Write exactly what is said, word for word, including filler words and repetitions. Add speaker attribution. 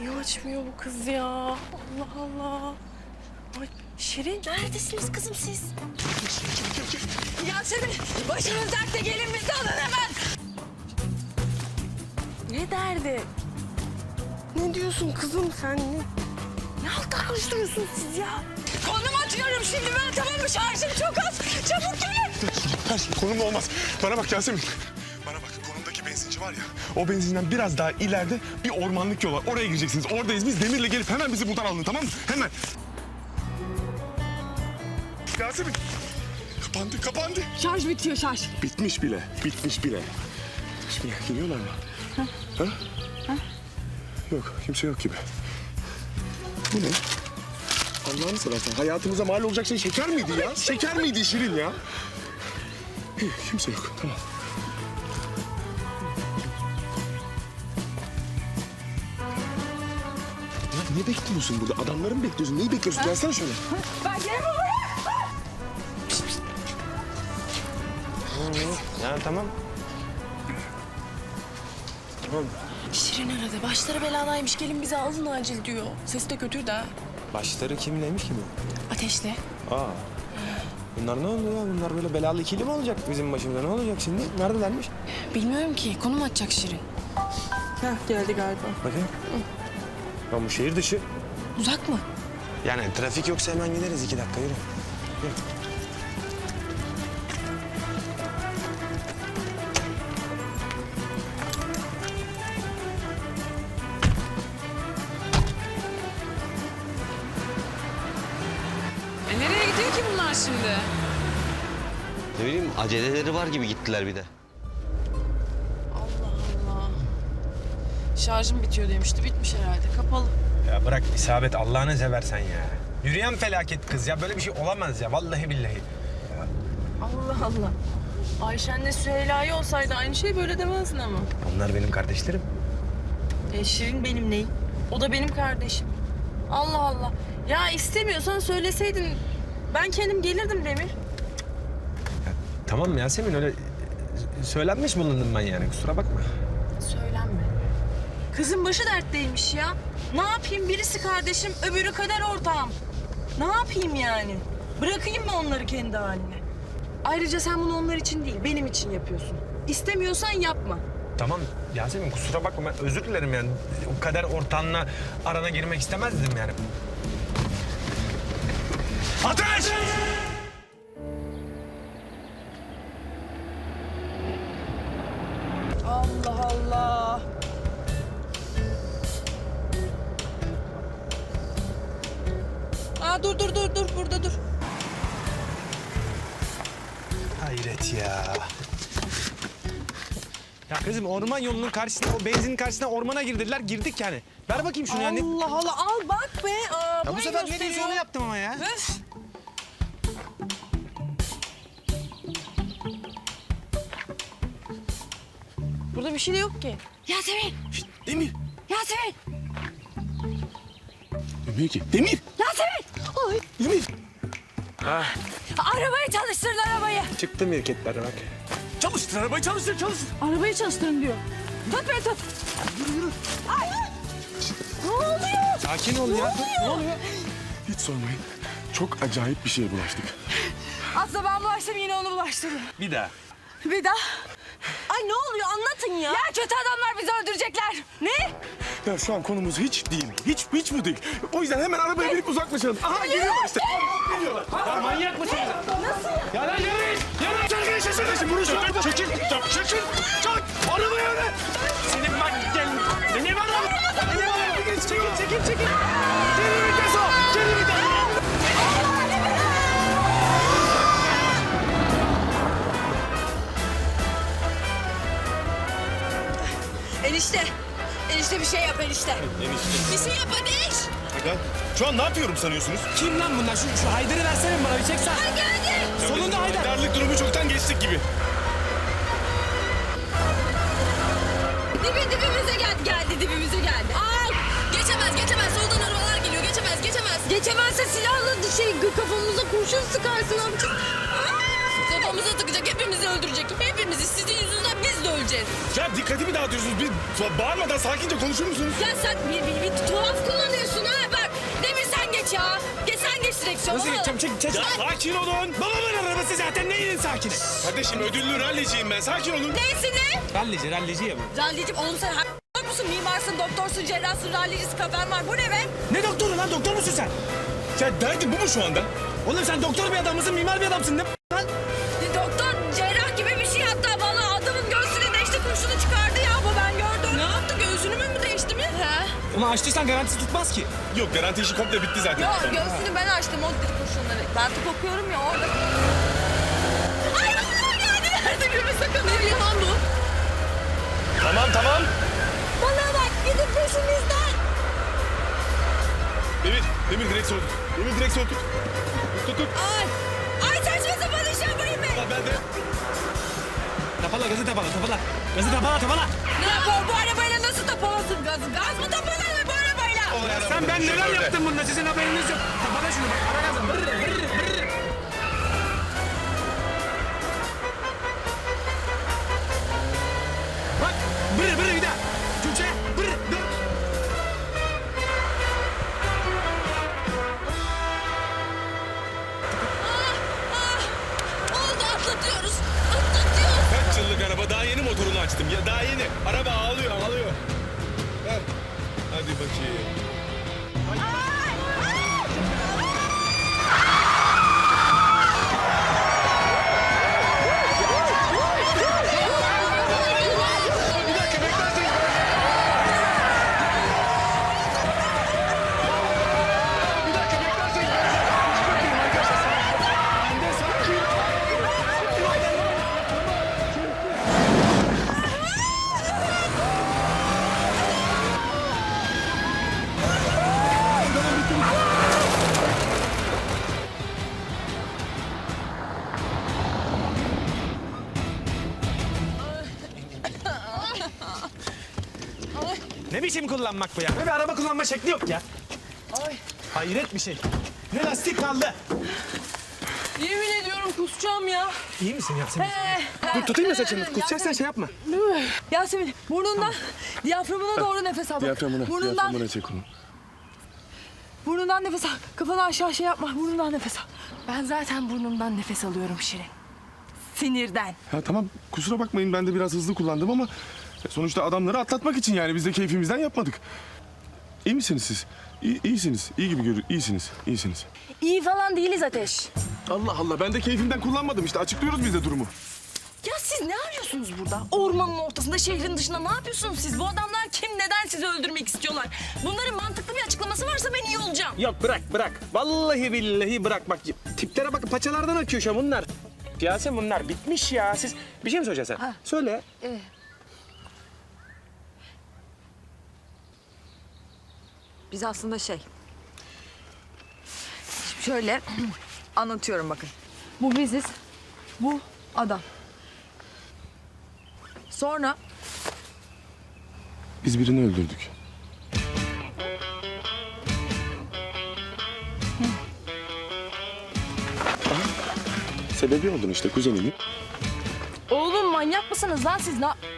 Speaker 1: Niye açmıyor bu kız ya? Allah Allah. Ay Şirin neredesiniz kızım siz?
Speaker 2: Yasemin başınız dertte gelin bizi alın hemen.
Speaker 1: Ne derdi? Ne diyorsun kızım sen? Ne, ne haltlar karıştırıyorsunuz siz ya?
Speaker 2: Konum atıyorum şimdi ben, tamam mı? Şarjım çok az. Çabuk gelin.
Speaker 3: Her şey konumda olmaz. Bana bak Yasemin. Bana bak, konumdaki benzinci var ya, o benzinden biraz daha ileride bir ormanlık yol var. Oraya gireceksiniz. Oradayız biz. Demir'le gelip hemen bizi buradan alın, tamam mı? Hemen. Yasemin. Kapandı, kapandı.
Speaker 2: Şarj bitiyor şarj.
Speaker 3: Bitmiş bile, bitmiş bile. Bitmiş bile. Geliyorlar mı? Ha? Ha? Ha? Yok, kimse yok gibi. Bu ne? Allah'ını seversen hayatımıza mal olacak şey şeker miydi ya? Şeker miydi Şirin ya? İyi, kimse yok, tamam. Ya ne bekliyorsun burada? Adamları mı bekliyorsun? Neyi bekliyorsun? Gelsene şöyle.
Speaker 2: Ben gelin buraya.
Speaker 4: Ya tamam. Tamam.
Speaker 1: Şirin aradı. Başları beladaymış. Gelin bizi alın acil diyor. Sesi de kötü de.
Speaker 4: Başları kimleymiş ki bu?
Speaker 1: Ateşli.
Speaker 4: Aa. Bunlar ne oldu ya? Bunlar böyle belalı ikili mi olacak bizim başımıza? Ne olacak şimdi? Neredelermiş?
Speaker 1: Bilmiyorum ki. Konum atacak Şirin.
Speaker 2: Heh, geldi galiba.
Speaker 4: Bakayım. Ya bu şehir dışı.
Speaker 1: Uzak mı?
Speaker 4: Yani trafik yoksa hemen gideriz. iki dakika yürü. Yürü.
Speaker 2: E nereye gidiyor ki bunlar şimdi?
Speaker 5: Ne bileyim aceleleri var gibi gittiler bir de.
Speaker 1: Allah Allah. Şarjım bitiyor demişti. Bitmiş herhalde. Kapalı.
Speaker 4: Ya bırak isabet Allah'ını seversen ya. Yürüyen felaket kız ya. Böyle bir şey olamaz ya. Vallahi billahi.
Speaker 1: Allah Allah. Ayşen'le Süheyla'yı olsaydı aynı şey böyle demezdin ama.
Speaker 4: Onlar benim kardeşlerim.
Speaker 1: E, Şirin benim neyim? O da benim kardeşim. Allah Allah. Ya istemiyorsan söyleseydin. Ben kendim gelirdim Demir.
Speaker 4: Tamam Yasemin öyle söylenmiş bulundum ben yani. Kusura bakma.
Speaker 1: Söylenme. Kızın başı dertteymiş ya. Ne yapayım? Birisi kardeşim, öbürü kader ortağım. Ne yapayım yani? Bırakayım mı onları kendi haline? Ayrıca sen bunu onlar için değil, benim için yapıyorsun. İstemiyorsan yapma.
Speaker 4: Tamam Yasemin kusura bakma ben özür dilerim yani. O kader ortağınla arana girmek istemezdim yani. Ateş!
Speaker 1: Allah Allah. Aa dur dur dur dur burada dur.
Speaker 4: Hayret ya. Ya kızım orman yolunun karşısına, o benzinin karşısına ormana girdiler. Girdik yani. Ver bakayım şunu yani.
Speaker 1: Allah Allah al bak be. Aa,
Speaker 4: Ya bu
Speaker 1: burayı
Speaker 4: sefer ne
Speaker 1: gösteriyor.
Speaker 4: diyorsa onu yaptım ama ya.
Speaker 1: Öf. Burada bir şey de yok ki.
Speaker 2: Yasemin!
Speaker 3: Şişt, Demir.
Speaker 2: Yasemin!
Speaker 3: Demir ki. Demir.
Speaker 2: Yasemin! Ay.
Speaker 3: Demir.
Speaker 2: Arabayı çalıştırın arabayı.
Speaker 4: Çıktı mirketler bak.
Speaker 3: Çalıştır arabayı, çalıştır, çalıştır.
Speaker 2: Arabayı çalıştırın diyor. Tut beni tut. Ay! Ne oluyor?
Speaker 4: Sakin ol ya. Ne oluyor?
Speaker 3: Hiç sormayın. Çok acayip bir şeye bulaştık.
Speaker 2: Aslında ben bulaştım yine onu bulaştırdım.
Speaker 4: Bir daha.
Speaker 2: Bir daha.
Speaker 1: Ay ne oluyor anlatın ya.
Speaker 2: Ya kötü adamlar bizi öldürecekler. Ne?
Speaker 3: Ya şu an konumuz hiç değil. Hiç, hiç bu değil. O yüzden hemen arabaya binip uzaklaşalım. Aha geliyorlar işte. Geliyorlar.
Speaker 4: Ya manyak mısınız? Nasıl ya? Ya lan yürüyün. Yürüyün.
Speaker 3: Çekil şaşırın. Bunu şu çekil. Çekil. Çekil. Çek. Arabaya öyle.
Speaker 4: Senin bak gel. Beni var lan. Beni var. Çekil çekil çekil. çekil.
Speaker 3: Geri vites o. Geri vites.
Speaker 2: Enişte. Enişte bir şey yap enişte.
Speaker 1: Bir şey yap Ateş.
Speaker 3: Ya, şu an ne yapıyorum sanıyorsunuz?
Speaker 4: Kim lan bunlar? Şu, şu Haydar'ı versene bana bir çeksen.
Speaker 2: Geldi.
Speaker 4: Sonunda Haydar.
Speaker 3: Darlık durumu çoktan geçtik gibi.
Speaker 2: Dibi dibimize geldi. Geldi dibimize geldi. Ay.
Speaker 1: Geçemez geçemez. Soldan arabalar geliyor. Geçemez geçemez.
Speaker 2: Geçemezse silahla şey kafamıza kurşun sıkarsın amca.
Speaker 1: Kafamıza tıkacak hepimizi bizi öldürecek. Hepimizi sizin yüzünüzden biz de öleceğiz.
Speaker 3: Ya dikkatimi dağıtıyorsunuz. Bir bağırmadan sakince konuşur musunuz?
Speaker 1: Ya sen bir, bir, bir tuhaf kullanıyorsun ha. Bak Demir sen geç ya. Geç sen geç direksiyonu.
Speaker 4: Nasıl geçeceğim? Çek, çek.
Speaker 3: Ya sakin olun.
Speaker 4: Babamın arabası zaten neyin sakini?
Speaker 3: Kardeşim ödüllü ralliciyim ben. Sakin olun.
Speaker 1: Neysin ne?
Speaker 4: Rallici, rallici ya bu.
Speaker 1: Rallicim oğlum sen ha- musun? Mimarsın, doktorsun, cerrahsın, rallicisi kafen var. Bu ne be?
Speaker 4: Ne doktoru lan? Doktor musun sen?
Speaker 3: Ya derdin bu mu şu anda?
Speaker 4: Oğlum sen doktor bir adam mısın, mimar bir adamsın ne lan?
Speaker 1: Bir doktor, cerrah gibi bir şey hatta bana adamın göğsüne değişti, kurşunu çıkardı ya bu ben gördüm. Ne yaptı? Göğsünü mü mü değişti mi? He.
Speaker 4: Ama açtıysan garantisi tutmaz ki.
Speaker 3: Yok garanti işi komple bitti zaten.
Speaker 1: Yok göğsünü ben açtım o dedi kurşunları. Ben tıp okuyorum ya orada. Ay vallahi geldi. Nerede gülme sakın. Ne yalan bu?
Speaker 3: Tamam tamam.
Speaker 1: Bana bak gidin peşimizden.
Speaker 3: Demir, Demir direksiyon tut. Demir direksiyon tut. Tut tut.
Speaker 1: Ay. Ay saçma sapan iş yapmayın be.
Speaker 3: Ulan ben de.
Speaker 4: Tapala, gazı tapala, tapala. Gazı tapala, tapala.
Speaker 1: Ne yapar bu arabayla nasıl tapalasın gazı? Gaz mı tapalar bu arabayla?
Speaker 4: Sen ben neler yaptım bunda sizin haberiniz yok. Tapala şunu bak, ara gazı. Bırr, bırr, bırr. Bak, bırr, bırr bir daha. Tuğçe, bırr, dur.
Speaker 1: Oldu atlatıyoruz. Atlatıyoruz.
Speaker 3: Kaç yıllık araba daha yeni motorunu açtım. Ya daha yeni. Araba ağlıyor ağlıyor. Ver. Hadi bakayım.
Speaker 4: Ne biçim kullanmak bu ya? Ne bir araba kullanma şekli yok ya.
Speaker 1: Ay.
Speaker 4: Hayret bir şey. Ne lastik kaldı.
Speaker 1: Yemin ediyorum kusacağım ya.
Speaker 4: İyi misin Yasemin?
Speaker 3: Dur tutayım mı saçını? Kusacaksan şey yapma.
Speaker 1: Yasemin burnundan diyaframına doğru nefes al. bak.
Speaker 3: Diyaframına,
Speaker 1: Burnundan,
Speaker 3: diyaframına çek onu.
Speaker 1: burnundan nefes al. Kafanı aşağı şey yapma. Burnundan nefes al. Ben zaten burnumdan nefes alıyorum Şirin. Sinirden.
Speaker 3: Ya tamam kusura bakmayın ben de biraz hızlı kullandım ama sonuçta adamları atlatmak için yani biz de keyfimizden yapmadık. İyi misiniz siz? İyi, iyisiniz. İyi gibi görünüyor. İyisiniz. İyisiniz.
Speaker 1: İyi falan değiliz Ateş.
Speaker 3: Allah Allah ben de keyfimden kullanmadım işte açıklıyoruz biz de durumu.
Speaker 1: Ya siz ne arıyorsunuz burada? Ormanın ortasında, şehrin dışında ne yapıyorsunuz siz? Bu adamlar kim, neden sizi öldürmek istiyorlar? Bunların mantıklı bir açıklaması varsa ben iyi olacağım.
Speaker 4: Yok bırak bırak. Vallahi billahi bırak bak. Tiplere bak paçalardan akıyor şu an bunlar. Yasemin bunlar bitmiş ya. Siz bir şey mi söyleyeceksin sen?
Speaker 1: Ha.
Speaker 4: Söyle.
Speaker 1: Ee, Biz aslında şey... Şimdi şöyle anlatıyorum bakın. Bu biziz, bu adam. Sonra
Speaker 3: Biz birini öldürdük. Aha, sebebi oldun işte kuzenimin.
Speaker 1: oğlum manyak mısınız lan siz? Ne...